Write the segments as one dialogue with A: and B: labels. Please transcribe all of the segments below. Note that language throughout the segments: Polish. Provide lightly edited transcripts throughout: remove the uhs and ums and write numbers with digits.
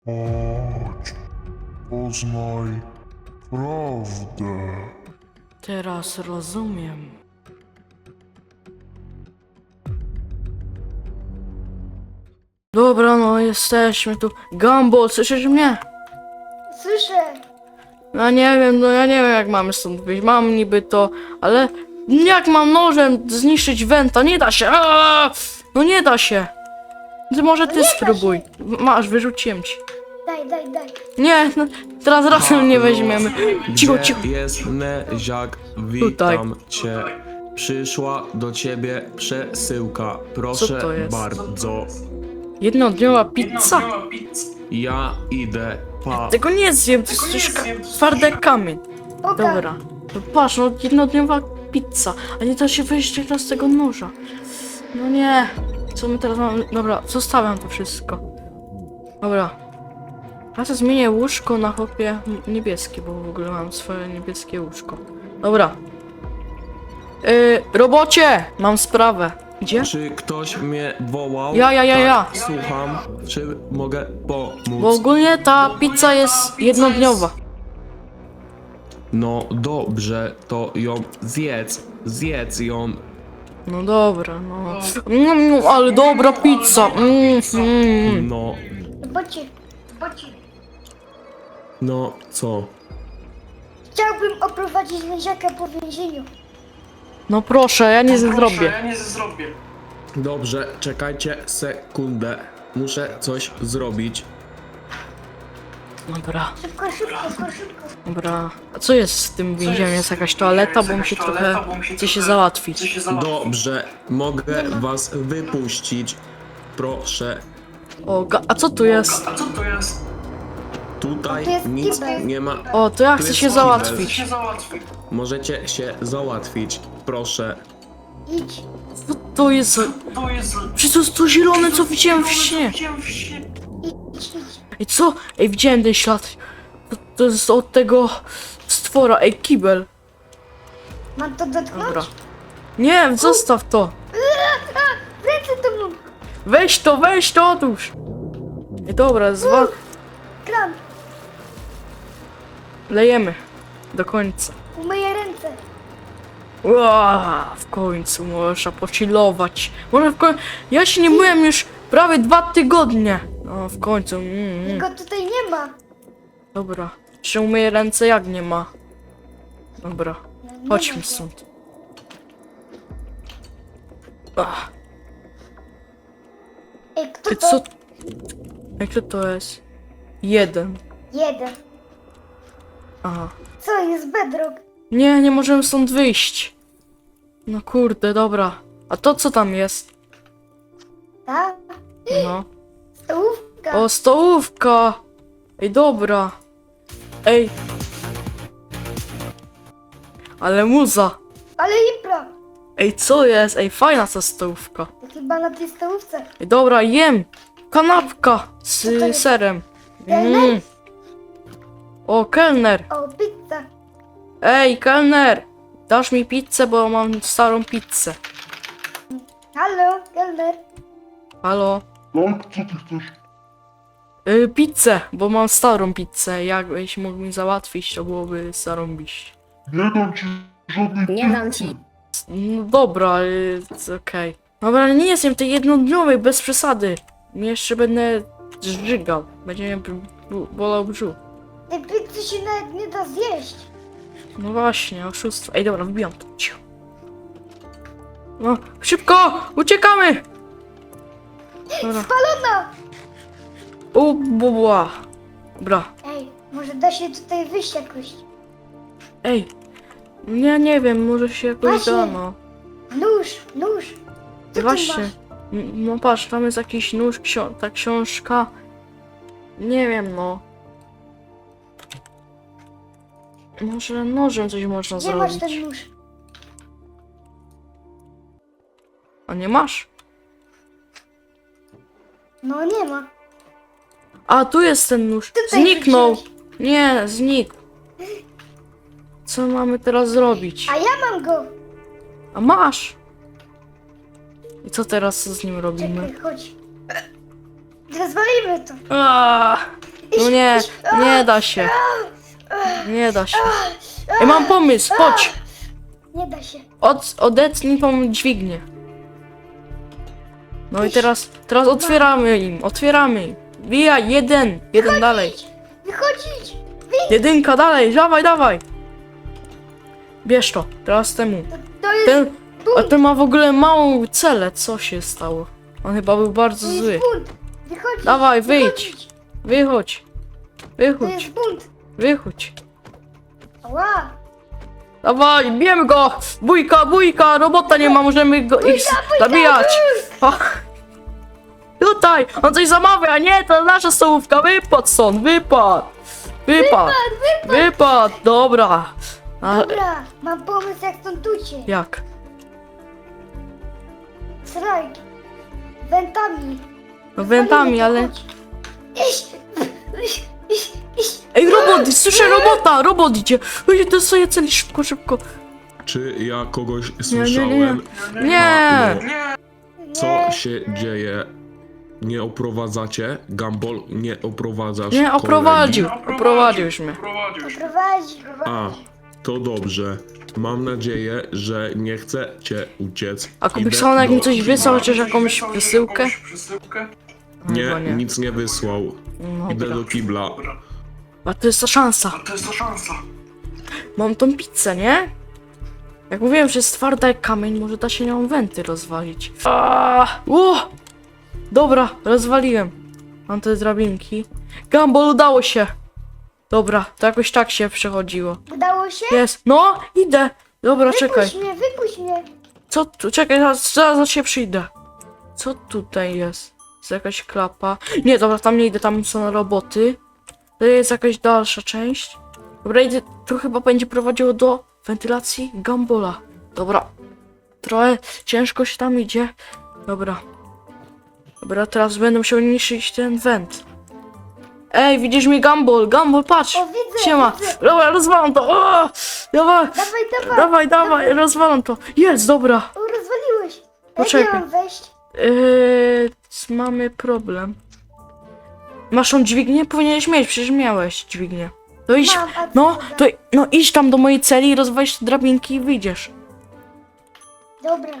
A: Chodź, poznaj prawdę.
B: Teraz rozumiem. Dobra, no jesteśmy tu. Gumball, słyszysz mnie?
C: Słyszę.
B: No nie wiem, no ja nie wiem jak mamy stąd wyjść. Mam niby to, ale jak mam nożem zniszczyć Wenta? Nie da się. Aaaa! No nie da się. Może ty
C: nie da
B: spróbuj. Masz, wyrzuciłem ci.
C: Daj.
B: Nie, no, teraz razem nie weźmiemy. Cicho,
D: Gdzie
B: cicho.
D: jest Neziak?
B: Tutaj.
D: Witam cię. Przyszła do ciebie przesyłka. Proszę
B: to jest?
D: bardzo.
B: Jednodniowa pizza?
D: Ja idę. Pa.
B: Tego nie zjem, to jest już twardy jak kamień.
C: Poka.
B: Dobra. To patrz, no jednodniowa pizza. A nie da się wyjść teraz z tego noża. No nie. Co my teraz mamy? Dobra, zostawiam to wszystko. Dobra. Ja to zmienię łóżko na chłopie niebieskie, bo w ogóle mam swoje niebieskie łóżko. Dobra. Robocie! Mam sprawę. Gdzie?
D: Czy ktoś mnie wołał?
B: Ja.
D: Tak, słucham. Czy mogę pomóc?
B: Bo ogólnie ta pizza jest jednodniowa.
D: No dobrze, to ją zjedz. Zjedz ją.
B: No dobra, no. Ale dobra pizza.
D: No,
C: Zobaczcie.
D: no co?
C: Chciałbym oprowadzić Neziaka po więzieniu.
B: No proszę, ja nie zrobię.
D: Dobrze, czekajcie sekundę. Muszę coś zrobić.
B: Dobra,
C: Szybko.
B: dobra. A co jest z tym więzieniem? Jest jakaś toaleta, bo mi się trochę chce się załatwić.
D: Dobrze, mogę was wypuścić. Proszę.
B: O, a co tu jest?
D: Tutaj
C: To jest
D: nic
C: kibel.
D: nie ma.
B: O, to ja
D: Tu
B: chcę
D: jest
B: się
D: kibel.
B: załatwić.
D: Możecie się załatwić. Proszę.
C: Idź.
B: Co to jest? Przecież to jest to zielone, co widziałem w śnie.
C: Idź.
B: Ej, co? Ej, widziałem ten ślad. To jest od tego stwora. Ej, kibel.
C: Mam to dotknąć?
B: Dobra. Nie, zostaw to.
C: Ręce to mam.
B: Weź to, otóż. Ej, dobra,
C: Kram.
B: lejemy. Do końca.
C: Umyję ręce.
B: W końcu można pochillować. Może w końcu. Ja się nie myłem już prawie 2 tygodnie. No, w końcu.
C: Go tutaj nie ma.
B: Dobra. Jeszcze umyję ręce, jak nie ma. Dobra.
C: No, nie
B: Chodźmy
C: ma.
B: stąd. Ach,
C: Ej, kto
B: ty
C: to?
B: co? Jak to jest? 1.
C: Jeden.
B: Aha.
C: Co jest bedrock?
B: Nie możemy stąd wyjść. No kurde, dobra. A to co tam jest?
C: Tak?
B: No.
C: Stołówka.
B: O, stołówka! Ej, dobra. Ej. Ale muza.
C: Ale impra.
B: Ej, co jest? Ej, fajna ta stołówka.
C: To chyba na tej stołówce.
B: Ej, dobra, jem. Kanapka z
C: Co to jest?
B: serem.
C: Kelner?
B: O, kelner.
C: O, pizza.
B: Ej, kelner. Dasz mi pizzę, bo mam starą pizzę.
C: Halo, kelner.
B: Halo?
A: Tak, co ty chcesz?
B: Pizzę, bo mam starą pizzę. Jakbyś mógł mi załatwić, to byłoby zarąbiście.
A: Nie dam ci żadnej
E: Nie dam ci.
B: No dobra, okej. Dobra, ale nie jestem tej jednodniowej, bez przesady. Jeszcze będę żygał. Będzie mnie bolał brzuch.
C: Tej pizzy się nawet nie da zjeść.
B: No właśnie, oszustwo. Ej, dobra, wbijam to. Ciu. No, szybko! Uciekamy! Dobra.
C: Spalona!
B: Bubła. Dobra.
C: Ej, może da się tutaj wyjść jakoś.
B: Ej. Ja nie wiem, może się jakoś
C: Właśnie.
B: da, no.
C: Nóż. Co ty
B: Właśnie.
C: masz?
B: No patrz, tam jest jakiś nóż, ta książka. Nie wiem, no. Może nożem coś można
C: Gdzie masz
B: zrobić.
C: ten nóż?
B: A nie masz?
C: No nie ma.
B: A, tu jest ten nóż.
C: Tutaj
B: Zniknął.
C: wrzuciłeś.
B: Nie, znikł. Co mamy teraz zrobić?
C: A ja mam go.
B: A masz. I co teraz z nim robimy?
C: Czekaj, chodź. Rozwalimy to.
B: Aaaa! nie da się. Nie da się. Ej, mam pomysł, chodź.
C: Nie da się.
B: Odetnij tą dźwignię. No i teraz otwieramy im. Wbijaj, jeden dalej.
C: Wychodzić!
B: Jedynka dalej, dawaj. Bierz to, teraz temu.
C: To jest
B: A ten ma w ogóle małą celę, co się stało? On chyba był bardzo
C: To
B: zły.
C: jest bunt! Wychodzić!
B: Dawaj, wyjdź.
C: wychodzić.
B: Wychodź.
C: To jest bunt!
B: Wychodź.
C: Ała!
B: Dawaj, bijemy go! Bójka, robota nie ma, możemy go ich zabijać. Ach. Tutaj, on coś zamawia, nie, to nasza stołówka, wypadł stąd, wypadł, dobra.
C: Dobra, mam pomysł jak stąd uciec.
B: Jak?
C: Strajk. Wentami.
B: No wentami, ale...
C: Iść.
B: Ej, robot, słyszę robot idzie. Ej, to sobie celi, szybko.
D: Czy ja kogoś
B: Nie.
D: słyszałem?
B: Nie.
D: Co się dzieje? Nie oprowadzacie? Gumball, nie oprowadzasz
B: Nie,
D: kolegi?
B: oprowadził już mnie.
C: Prowadzi.
D: A, to dobrze. Mam nadzieję, że nie chcecie uciec.
B: A
D: Idę
B: Kubikson, jak mi
D: do
B: coś
D: kibla.
B: wysłał, chociaż jakąś przesyłkę?
D: Nie,
B: Chyba
D: nic nie wysłał. Idę
B: Dobra.
D: do kibla.
B: A to jest ta szansa. Mam tą pizzę, nie? Jak mówiłem, że jest twarda jak kamień, może da się nią wenty rozwalić. Dobra, rozwaliłem. Mam te drabinki. Gumball, udało się. Dobra, to jakoś tak się przechodziło.
C: Udało się?
B: Jest. No, idę. Dobra, czekaj.
C: Wypuść mnie.
B: Co tu? Czekaj, zaraz się przyjdę. Co tutaj jest? Jest jakaś klapa. Nie, dobra, tam nie idę, tam są roboty. To jest jakaś dalsza część. Dobra, idę, to chyba będzie prowadziło do wentylacji Gumballa. Dobra. Trochę ciężko się tam idzie. Dobra. Dobra, teraz będę musiał niszczyć ten went. Ej, widzisz mnie, Gumball? Gumball, patrz!
C: O, widzę,
B: Siema!
C: widzę.
B: Dobra, rozwalam to! O! Dawaj! Dawaj, rozwalam to! Jest, dobra!
C: O, rozwaliłeś.
B: Poczekaj.
C: Jak ja mam wejść?
B: Mamy problem. Masz tą dźwignię? Powinieneś mieć, przecież miałeś dźwignię. To idź,
C: Mam, a co
B: no,
C: da?
B: no idź tam do mojej celi i rozwalisz te drabinki i wyjdziesz.
C: Dobra.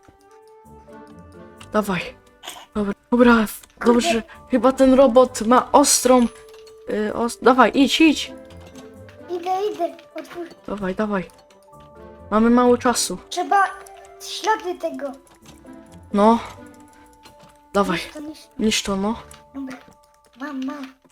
B: Dawaj. Dobra, dobrze. Chyba ten robot ma ostrą... Dawaj, idź.
C: Idę. Otwórz.
B: Dawaj. Mamy mało czasu.
C: Trzeba ślady tego.
B: No. Dawaj,
C: Niszcz.
B: niszcz to, no.
C: Dobra. Mam.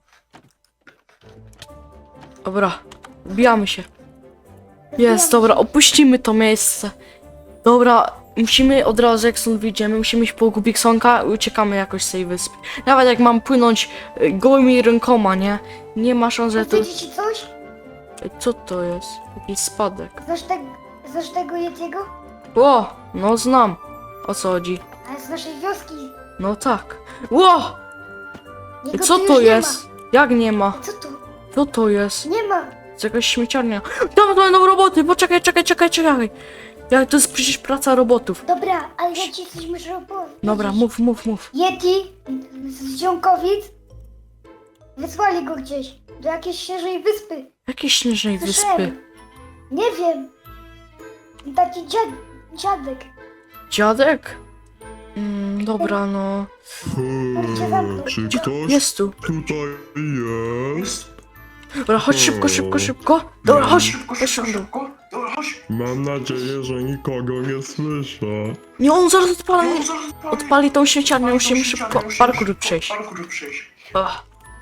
B: Dobra, wbijamy się.
C: Rozbijam
B: Jest, dobra,
C: się.
B: opuścimy to miejsce. Dobra, musimy od razu, jak stąd wyjdziemy, musimy iść po Kubiksonka i uciekamy jakoś z tej wyspy. Nawet jak mam płynąć gołymi rękoma, nie? Nie ma szans, że to...
C: Powiedzieć ci coś?
B: Co to jest? Jakiś spadek.
C: Znasz tego Yetiego?
B: Ło, no znam. O co chodzi?
C: Ale z naszej wioski.
B: No tak. Ło!
C: Jego
B: Co
C: tu
B: to
C: już nie
B: jest? Jak nie ma?
C: Ma. Co to?
B: Co to jest?
C: Nie ma.
B: To jest jakaś śmieciarnia. Tam będą roboty, poczekaj. Jak to jest przecież praca robotów.
C: Dobra, ale ja ci coś muszę opowiedzieć.
B: Dobra, mów.
C: Yeti z Ziomkowic wysłali go gdzieś. Do jakiejś świeżej wyspy.
B: Jakiej śnieżnej wyspy?
C: Słyszałem. Nie wiem. Taki dziadek.
B: Dziadek? Dobra, no.
A: Czy ktoś
B: Jest tu.
A: tutaj jest?
B: Dobra, chodź szybko. Dobra, chodź tam dół.
A: Mam nadzieję, że nikogo nie słyszę.
B: Nie, on zaraz odpali tą śmieciarnię, musimy szybko parkour przejść. Ach.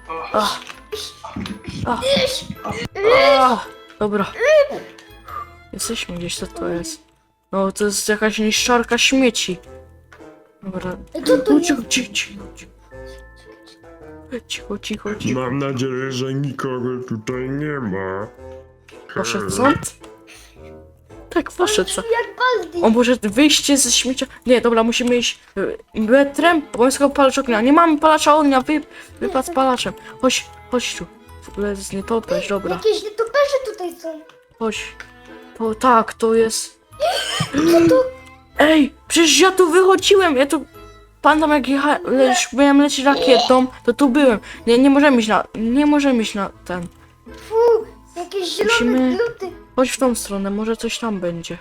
B: Dobra. Jesteśmy gdzieś, co to jest? No, to jest jakaś niszczarka śmieci. Dobra.
C: Co to
B: No,
C: jest?
B: Cicho.
A: Mam nadzieję, że nikogo tutaj nie ma.
B: Poszedł stąd? Tak, poszedł stąd.
C: Jak Baldi.
B: O, może wyjście ze śmiecia... Nie, dobra, musimy iść metrem, bo palacz ognia. Nie mamy palacza ognia, wypad z palaczem. Chodź tu. W ogóle jest nietoperz, dobra.
C: Jakieś nietoperze tutaj są.
B: Chodź. To jest...
C: Co to?
B: Ej, przecież ja tu wychodziłem, pamiętam jak byłem lecieć rakietą, to tu byłem. Nie możemy iść na ten.
C: Fu, jakieś zielone
B: Musimy-
C: gluty.
B: Chodź w tą stronę, może coś tam będzie.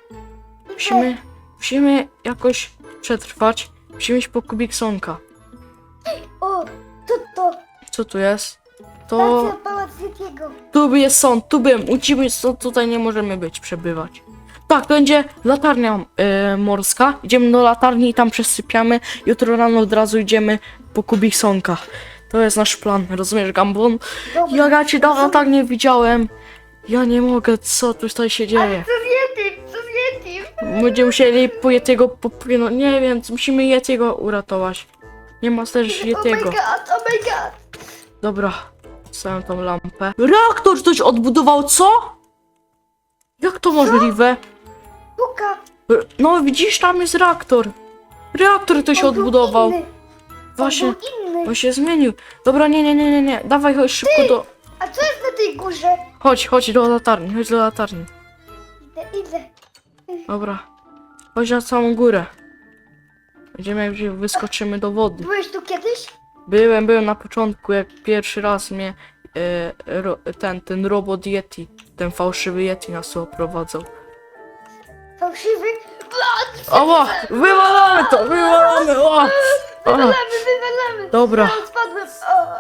B: Musimy jakoś przetrwać. Musimy iść po Kubiksonka.
C: O, to.
B: Co tu jest? To...
C: Stacja Pałac Yetiego.
B: Tu jest sąd, tu byłem. Ucimy stąd, tutaj nie możemy przebywać. Tak, to będzie latarnia morska. Idziemy do latarni i tam przesypiamy. Jutro rano od razu idziemy po Kubiksonka. To jest nasz plan, rozumiesz, Gambon?
C: Dobra.
B: Ja cię dawno tak nie widziałem. Ja nie mogę, co tutaj się dzieje?
C: Co z Yetim? Co z Yetim?
B: Będziemy musieli po Yetiego popłynąć. Nie wiem, musimy Yetiego uratować. Nie ma też
C: Oh my
B: Yetiego.
C: god, oh my god.
B: Dobra, stawiam tą lampę. Reaktor ktoś odbudował, co? Jak to możliwe?
C: Puka.
B: No widzisz, tam jest reaktor. Reaktor ktoś
C: On był
B: odbudował.
C: inny.
B: Właśnie,
C: On był inny.
B: on się zmienił. Dobra, nie. Dawaj, chodź szybko do...
C: A co jest na tej górze?
B: Chodź do latarni, chodź do latarni.
C: Idę.
B: Dobra. Chodź na całą górę. Będziemy, jak wyskoczymy do wody.
C: Byłeś tu kiedyś?
B: Byłem na początku, jak pierwszy raz mnie ten robot Yeti, ten fałszywy Yeti nas tu oprowadzał.
C: Fałszywy?
B: Oła! Wywalamy to! Wywalamy! O! O!
C: Wywalamy.
B: Dobra.
C: A, spadłem.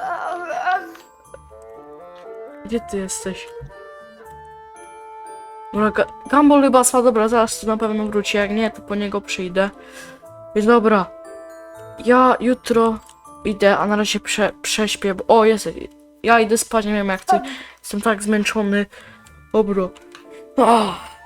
B: Gdzie ty jesteś? Dobra, Gumball chyba spadł, dobra, zaraz tu na pewno wróci, jak nie, to po niego przyjdę. Więc dobra, ja jutro idę, a na razie prześpię, bo... O, jest, ja idę spać, nie wiem jak ty, jestem tak zmęczony. Dobra.